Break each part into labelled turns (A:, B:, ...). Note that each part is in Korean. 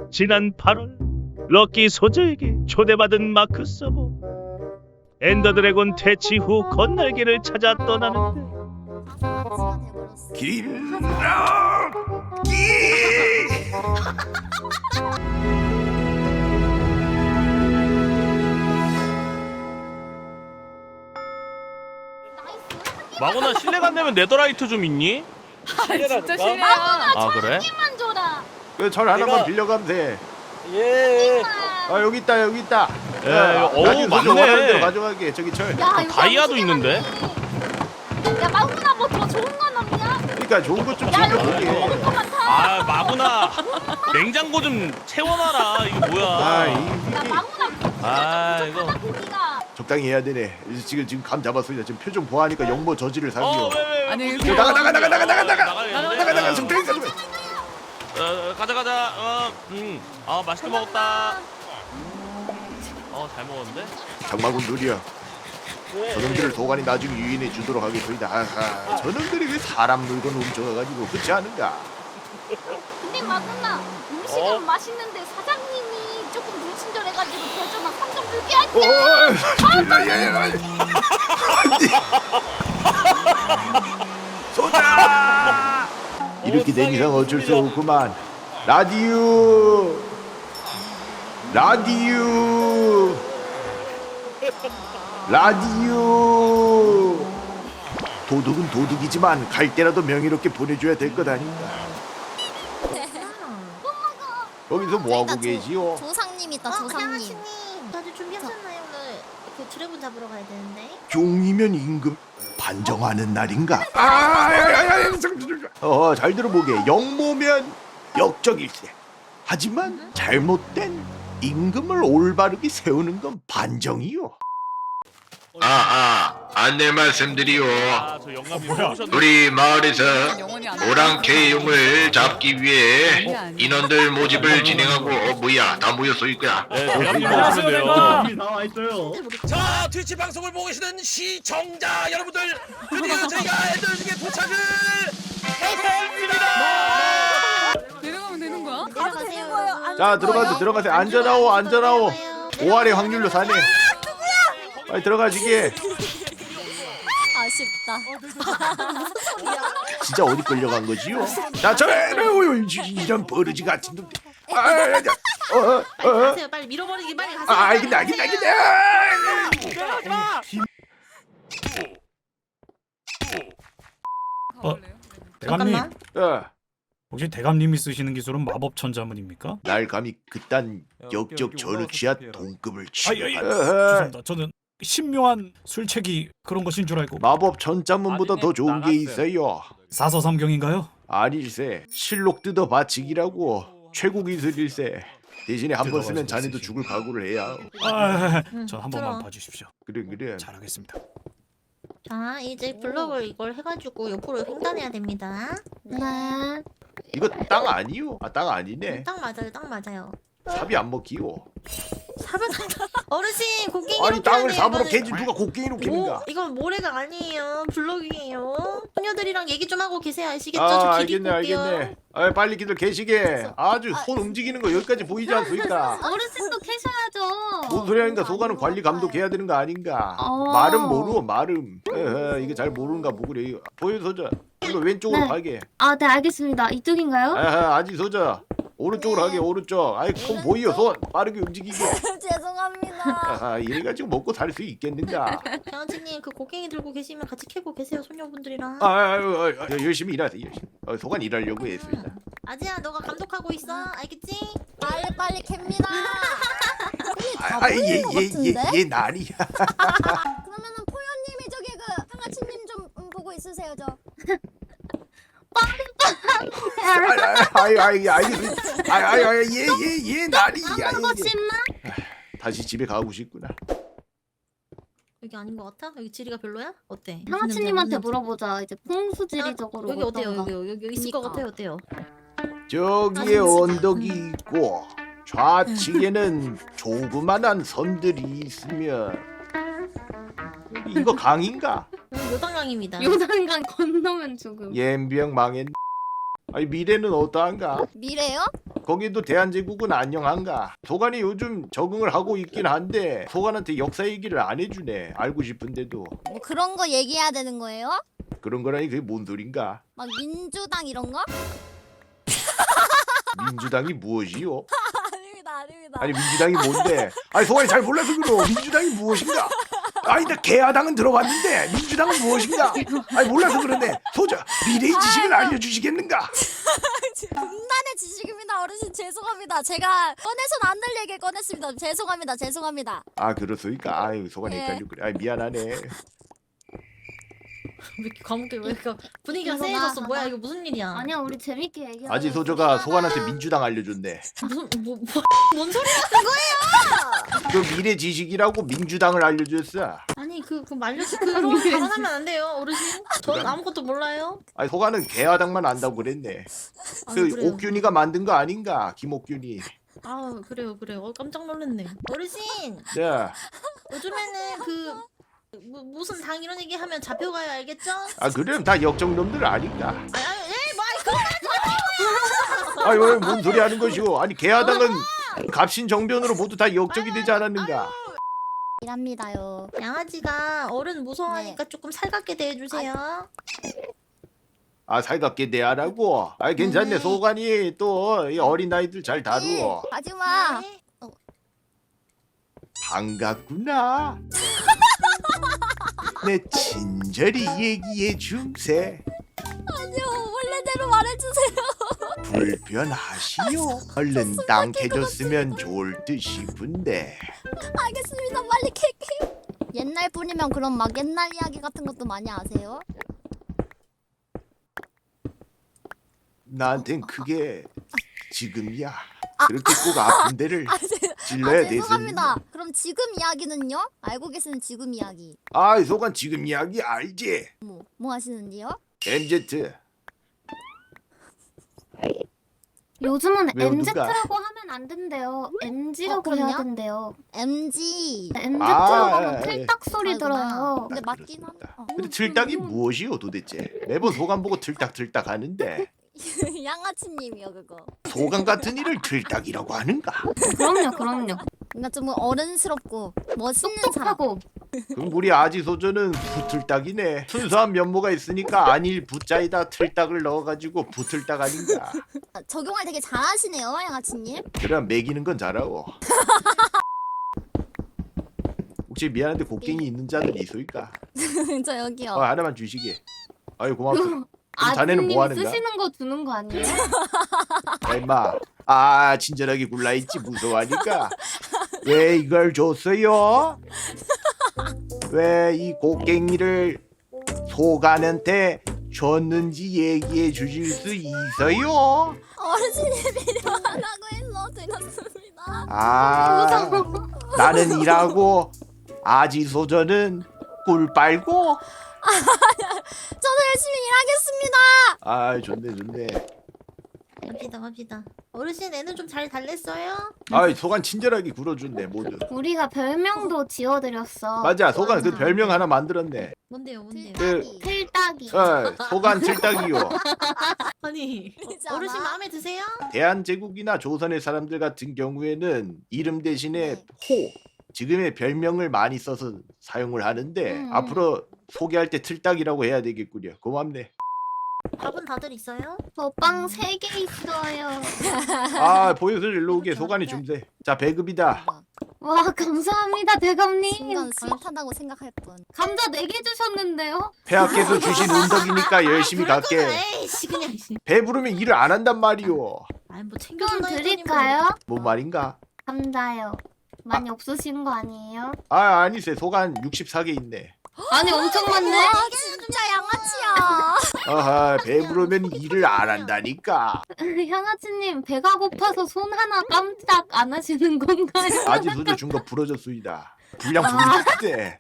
A: 지난 8월 럭키 소저에게 초대받은 마크 서버 엔더 드래곤 퇴치 후 건날개를 찾아 떠나는데
B: 길럭기
C: 마고나 실례가 안 되면 네더라이트 좀 있니?
D: 진짜 싫어요.
C: 아 그래?
E: 만 줘라.
B: 절 하나만 빌려가면 돼.
F: 예.
B: 아 여기 있다 여기 있다.
C: 예, 어우,
B: 나중에
C: 맞네.
B: 원하는 대로 가져가게. 저기 철.
E: 야, 이거
C: 다이아도
E: 음식이네.
C: 있는데?
E: 야, 마구나 뭐 더 좋은 건 없냐?
B: 그러니까 좋은 것 좀
E: 야, 이거
B: 챙겨보게.
E: 먹을 거 많다.
C: 아 마구나 냉장고 좀 채워놔라. 이거
B: 아,
C: 뭐야?
E: 야, 마구나.
C: 아, 이거.
E: 부족하다, 고기가.
B: 적당히 해야 되네. 지금 감 잡았습니다. 지금 표정 보하니까 영모 저지를 상기요.
C: 왜?
D: 아니
B: 나가
C: 나가.
B: 적당히 가져.
C: 가자. 아 맛있게 먹었다. 잘 먹었는데?
B: 장마군 누리야. 저놈들을 도가니 나중에 유인해 주도록 하겠소이다. 아하, 저놈들이 왜 사람 물건 훔쳐가가지고 그렇지 않은가?
E: 근데 마구나 음식은 맛있는데 사장님이 조금 불친절해가지고 대전아 3점 줄게 할게.
B: 소자! 이렇게 된 이상 어쩔 수 없구만. 라디오 도둑은 도둑이지만 갈 때라도 명예롭게 보내줘야 될 것 아닌가. 거기서 뭐하고 계시오?
E: 조상님이다 조상님.
G: 다들 준비하셨나요? 오늘 그 드래곤 잡으러 가야 되는데.
B: 종이면 임금 반정하는 날인가? 잘 들어보게. 영모면 역적일세. 하지만 잘못된 임금을 올바르게 세우는 건 반정이요.
H: 안내 말씀드리오.
C: 저 영감이 오셨네.
H: 우리 마을에서
D: 영혼이 안
H: 오랑캐용을 잡기 위해
D: 아니야.
H: 인원들 모집을 진행하고 다 모였어 이거야.
C: 네, 영감님 오시면 돼요.
F: 자, 트위치 방송을 보고 계시는 시청자 여러분들, 드디어 저희가 엔더 중에 도착을
D: 내려가면 되는 거야?
G: 가도 되는 거예요?
B: 자 들어가세요. 안전하오. 5할의 확률로 사네. 빨리 들어가시게.
E: 아쉽다.
B: 진짜 어디 끌려간 거지요? 자 이런 버르지 같은 놈들.
G: 빨리 가세요. 빨리 밀어버리기 빨리 가세요.
B: 알겠네.
D: 가볼래요?
I: 대감님,
B: 어,
I: 혹시 대감님이 쓰시는 기술은 마법 천자문입니까?
B: 날 감히 그딴 역적 전후 취하 동급을
I: 아이,
B: 취급하.
I: 죄송합니다. 저는 신묘한 술책이 그런 것인 줄 알고.
B: 마법 전자문보다 더 좋은 게 있어요.
I: 사서삼경인가요?
B: 아닐세. 실록 뜯어 바치기라고 최고 기술일세. 대신에 한 번 쓰면 자네도 죽을 각오를 해야.
I: 저 한 번만
G: 들어.
I: 봐주십시오.
B: 그래.
I: 잘하겠습니다.
G: 자, 이제 블럭을 이걸 해가지고 옆으로 횡단해야 됩니다.
E: 네.
B: 이거 땅 아니요? 땅 아니네.
G: 딱 맞아요.
B: 삽이 안 먹히요.
G: 어르신 곡괭이로
B: 아니 땅을
G: 캐야
B: 삽으로
G: 돼요,
B: 캐지
G: 이거는.
B: 누가 곡괭이로 캐는가?
G: 이건 모래가 아니에요. 블럭이에요. 소녀들이랑 얘기 좀 하고 계세요. 아시겠죠? 저 길 입고 올게요.
B: 알겠네. 빨리 기들 계시게. 아주 손 움직이는 거 여기까지 보이지 않습니까?
E: 어르신도 캐셔야죠.
B: 뭔 소리 하니까 소가는 관리 감독해야 되는 거 아닌가? 말은 모르고 말음. 이게 잘 모르는가 보구래. 보여서자. 이거 왼쪽으로
E: 네.
B: 가게.
E: 아, 네 알겠습니다. 이쪽인가요?
B: 아직 서자. 오른쪽으로 가게 오른쪽. 손 보이요 손 빠르게 움직이게.
E: 죄송합니다.
B: 이래가지고 먹고 살 수 있겠는가?
G: 장아찌님 그 곡괭이 들고 계시면 같이 캐고 계세요. 소녀분들이랑.
B: 열심히 일하세요. 열심히. 소관 일하려고 했습니다.
G: 아지야 너가 감독하고 있어. 알겠지?
E: 빨리 캡니다.
B: 얘 날이야.
E: 그러면은 포효님이 저기 그 상아치님 좀 보고 있으세요 저.
B: 얘 날이야.
E: 씹나?
B: 다시 집에 가고 싶구나.
G: 여기 아닌 것 같아? 여기 지리가 별로야? 어때?
E: 상아치님한테 물어보자. 이제 풍수지리적으로
G: 여기 어때요?
E: 어떤가.
G: 여기 있을 것 같아요. 어때요?
B: 저기에 언덕이 있고 좌측에는 조그만한 섬들이 있으면 이거 강인가?
G: 요단강입니다.
E: 요단강 건너면 죽음.
B: 옌병 망했. 아니 미래는 어떠한가?
E: 미래요?
B: 거기도 대한제국은 안녕한가? 소관이 요즘 적응을 하고 있긴 한데 소관한테 역사 얘기를 안 해주네. 알고 싶은데도.
E: 뭐 그런 거 얘기해야 되는 거예요?
B: 그런 거라니 그게 뭔 소린가?
E: 막 민주당 이런 거?
B: 민주당이 무엇이요?
E: 아닙니다.
B: 아니 민주당이 뭔데? 아니 소관이 잘 몰라서 그러. 민주당이 무엇인가? 아니 나 개화당은 들어봤는데 민주당은 무엇인가? 아니 몰라서 그러네. 소자 미래의 지식을 알려주시겠는가?
E: 분단의 지식입니다. 어르신 죄송합니다. 제가 꺼내선 안 될 얘기 꺼냈습니다. 죄송합니다.
B: 아 그렇소니까. 아유 소관이
E: 네.
B: 헷갈려 그래. 아 미안하네.
G: 왜 이렇게 과묵해? 왜 이렇게 분위기가
E: 이거
G: 세해졌어?
E: 나-
G: 뭐야 이거 무슨 일이야?
E: 아니야 우리 재밌게 얘기하자.
B: 아지 소저가 소관한테 민주당 알려줬네.
G: 무슨 뭔 소리야?
B: 그 미래 지식이라고 민주당을 알려줬어.
G: 아니 그 말려서 그런 발언하면 안 돼요 어르신. 전 아무것도 몰라요.
B: 아니 소관은 개화당만 안다고 그랬네.
G: 아,
B: 그
G: 그래요.
B: 옥균이가 만든 거 아닌가? 김옥균이.
G: 아 그래요. 깜짝 놀랐네. 어르신
B: 자,
G: 요즘에는 그 무슨 당 이런 얘기 하면 잡혀가요 알겠죠?
B: 아 그럼 다 역정놈들 아닌가?
G: 뭐
B: 아니 왜뭔 소리 하는 것이오? 아니 개화당은 갑신 정변으로 모두 다 역적이 되지 않았는가?
E: 일합니다요.
G: 양아지가 어른 무서워하니까 조금 살갑게 대해주세요.
B: 아 살갑게 대하라고? 아 괜찮네.
G: 네.
B: 소관이 또 이 어린 아이들 잘 다루어.
E: 하지마.
G: 네.
B: 반갑구나. 내 친절히 얘기해 줌세.
E: 아니요 원래대로 말해주세요.
B: 불편하시오. 얼른 땅 캐줬으면 좋을 듯 싶은데.
E: 알겠습니다. 빨리 캘게요. 옛날 분이면 그럼 막 옛날 이야기 같은 것도 많이 아세요?
B: 나한텐 그게 지금이야. 그렇게 꼭 아픈 데를 찔러야 돼서.
E: 죄송합니다. 그럼 지금 이야기는요? 알고 계시는 지금 이야기.
B: 아, 소관 지금 이야기 알지?
E: 뭐 하시는지요?
B: MZ.
J: 요즘은
B: 왜요, 누가?
J: MZ라고 하면 안 된대요. MG라고
E: 그럼요?
J: 해야 된대요.
E: MG.
J: MZ라고
B: 아,
J: 하면 틀딱 소리
E: 아이고나.
J: 들어요.
E: 근데 맞긴 한.
B: 그렇습니다. 근데 틀딱이 무엇이오 도대체? 매번 소관 보고 틀딱틀딱 하는데
E: 양아치님이요 그거.
B: 소관 같은 일을 틀딱이라고 하는가?
J: 그럼요.
E: 뭔가 좀 어른스럽고 멋있는 사람.
J: 똑똑하고.
B: 그럼 우리 아지소저는 부틀딱이네. 순수한 면모가 있으니까 안일 부자에다 틀딱을 넣어가지고 부틀딱 아닌가?
E: 적용을 되게 잘하시네요 양아치님.
B: 그럼 매기는 건 잘하고. 혹시 미안한데 곡괭이 있는 자들 있소일까?
E: 저 여기요.
B: 하나만 주시게. 아유 고맙소. 그럼 자네는 뭐 하는가?
J: 쓰시는 거 주는 거 아니에요?
B: 야, 임마. 아 친절하게 굴라있지 무서워하니까. 왜 이걸 줬어요? 왜 이 곡괭이를 소관한테 줬는지 얘기해 주실 수 있어요?
E: 어르신이 필요하다고 해서 드렸습니다.
B: 아 나는 일하고 아지소저는 꿀 빨고.
E: 저도 열심히 일하겠습니다.
B: 아 좋네.
G: 갑시다. 어르신 애는 좀 잘 달랬어요?
B: 아이 소관 친절하게 굴어준네 모두.
J: 우리가 별명도 지어드렸어.
B: 맞아 소관 그 별명 하나 만들었네.
G: 뭔데요?
B: 그-
J: 틀딱이.
B: 소관 틀딱이요.
G: 아니
E: 그러잖아.
G: 어르신 마음에 드세요?
B: 대한제국이나 조선의 사람들 같은 경우에는 이름 대신에
E: 네.
B: 호 지금의 별명을 많이 써서 사용을 하는데 앞으로 소개할 때 틀딱이라고 해야 되겠군요. 고맙네.
G: 밥은 다들 있어요?
J: 저빵 3개 있어요.
B: 아 보여서 일로 오게. 소관이 줌세. 자 배급이다.
J: 와 감사합니다 대감님.
E: 순간 스윗하다고 생각할 뿐.
J: 감자 4개 주셨는데요?
B: 폐하께서 주신 운덕이니까 열심히 갈게.
G: 에이씨 그냥.
B: 배부르면 일을 안 한단 말이오.
G: 아뭐
J: 좀
G: 챙겨준다
J: 드릴까요?
B: 뭔 말인가?
J: 감자요. 많이 없으신 거 아니에요?
B: 아 아니세. 소관 64개 있네.
J: 아니 엄청 많네.
E: 와 진짜 양아치야.
B: 아하 배부르면 일을 안 한다니까.
J: 향아치님 배가 고파서 손 하나 깜짝 안 하시는 건가요?
B: 아지 소저 준 거 부러졌수이다. 분량 부르겠대.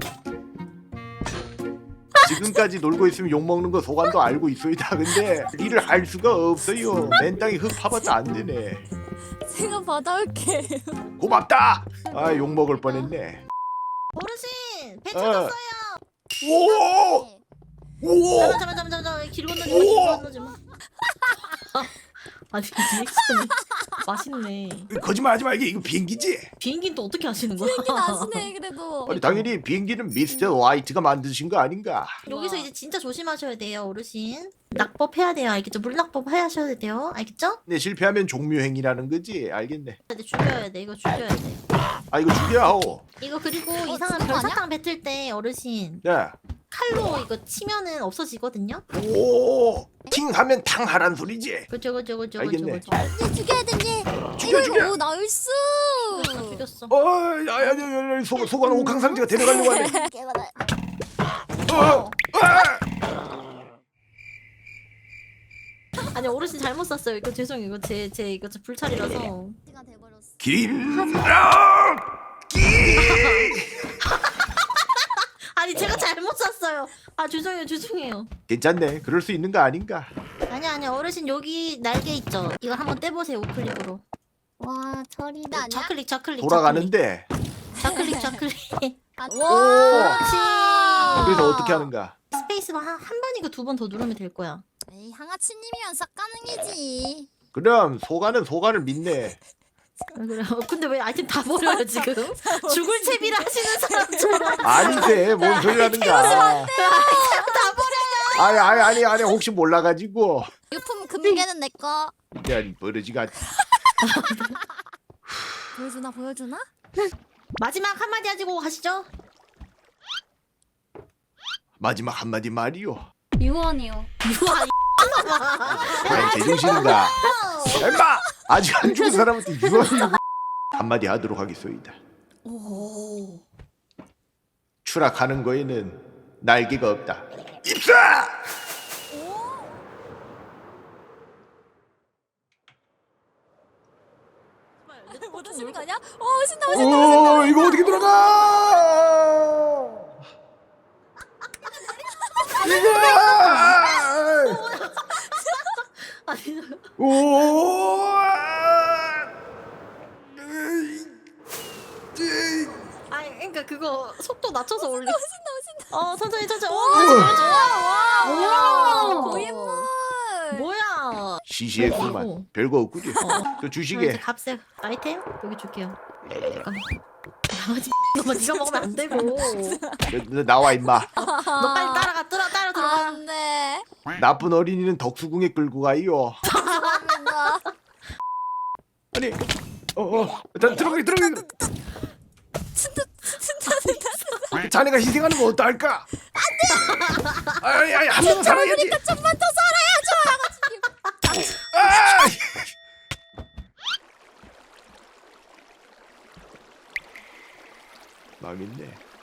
B: 지금까지 놀고 있으면 욕먹는 거 소관도 알고 있소이다. 근데 일을 할 수가 없어요. 맨 땅에 흙 파봤자 안 되네.
E: 제가 받아올게요.
B: 고맙다. 아 욕먹을 뻔했네.
G: 어르신 배
B: 어.
G: 찾았어요.
B: 오! 오!
G: 잠깐만 길 건너지 마. 아니 리액션이 맛있네.
B: 거짓말하지 마. 이거 비행기지?
G: 비행기는 또 어떻게 하시는 거야?
E: 비행기 나시네 그래도.
B: 아니 당연히 비행기는 미스터 화이트가 만드신 거 아닌가?
G: 여기서 이제 진짜 조심하셔야 돼요, 어르신. 낙법 해야 돼요, 알겠죠? 물낙법 하셔야 돼요, 알겠죠?
B: 네, 실패하면 종묘행이라는 거지. 알겠네.
G: 근데 죽여야 돼, 이거 죽여야 돼.
B: 아 이거 죽여야 하오.
G: 이거 그리고 이상한
E: 죽은 거
G: 별사탕 뱉을 때 어르신
B: 네.
G: 칼로 이거 치면은 없어지거든요?
B: 오, 팅하면 탕하란 소리지.
G: 그죠.
B: 알겠네.
E: 얘 죽여야 되니.
B: 죽여.
E: 오 나이스.
G: 죽였어.
B: 야, 소관 옥황상제가 데려가려고 하네.
E: 개받아.
G: 아니 어르신 잘못 샀어요. 이거 죄송해요. 이거 제 이거 불찰이라서.
E: 시간 돼버렸어.
G: 아니 제가 잘못 샀어요. 아 죄송해요.
B: 괜찮네. 그럴 수 있는 거 아닌가?
G: 아니 어르신 여기 날개 있죠. 이거 한번 떼보세요 우클릭으로.
J: 와 저리다.
E: 아니야?
G: 좌클릭.
B: 돌아가는데.
G: 좌클릭.
E: 와.
G: 그렇지.
B: 그래서 어떻게 하는가?
G: 스페이스바 한 번이고 2번 더 누르면 될 거야.
E: 에이 항아치님이면 싹 가능이지.
B: 그럼 소관을 믿네.
G: 그래. 근데 왜 아이템 다 버려요 지금? 죽을 채비를 하시는 사람처럼.
B: 아니세. 뭔 소리 하는가?
G: 아이템 다 버려요.
B: 아니 혹시 몰라가지고.
E: 유품 금괴는 내 거.
B: 야, 버러지가 않지.
E: 보여주나?
G: 마지막 한마디 하시고 가시죠.
B: 마지막 한마디 말이요.
J: 유언이요.
G: 유아
B: 아니 제정신인가? 엄마 아직 안 죽은 사람한테 유언이고 한마디 하도록 하겠소이다. 추락하는 거에는 날개가 없다. 입사!
E: 못 하시는 거 아니야? 신나.
B: 오 이거 어떻게 들어가?
G: 아니
B: 오.
G: 아니 그러니까 그거 속도 낮춰서 올리. 신나. 천천히.
E: 와.
G: 오.
E: 고인물.
G: 뭐야?
B: 시시했구만. 별거 없구지. 저
G: 이제
B: 주시게.
G: 값에 아이템 여기 줄게요. 잠깐만. 나머지 너만 네가 먹으면 안 되고.
B: 너 나와 임마.
G: 너 빨리 따라 들어가.
E: 안돼.
B: 나쁜 어린이는 덕수궁에 끌고 가요.
E: 죄송합니다.
B: 아니, 들어가. 자네가 희생하는 거 어떨까? 안돼. 아니 한 명 살아야지.
E: 좀만 더 살아야죠.
B: 아! 망했네.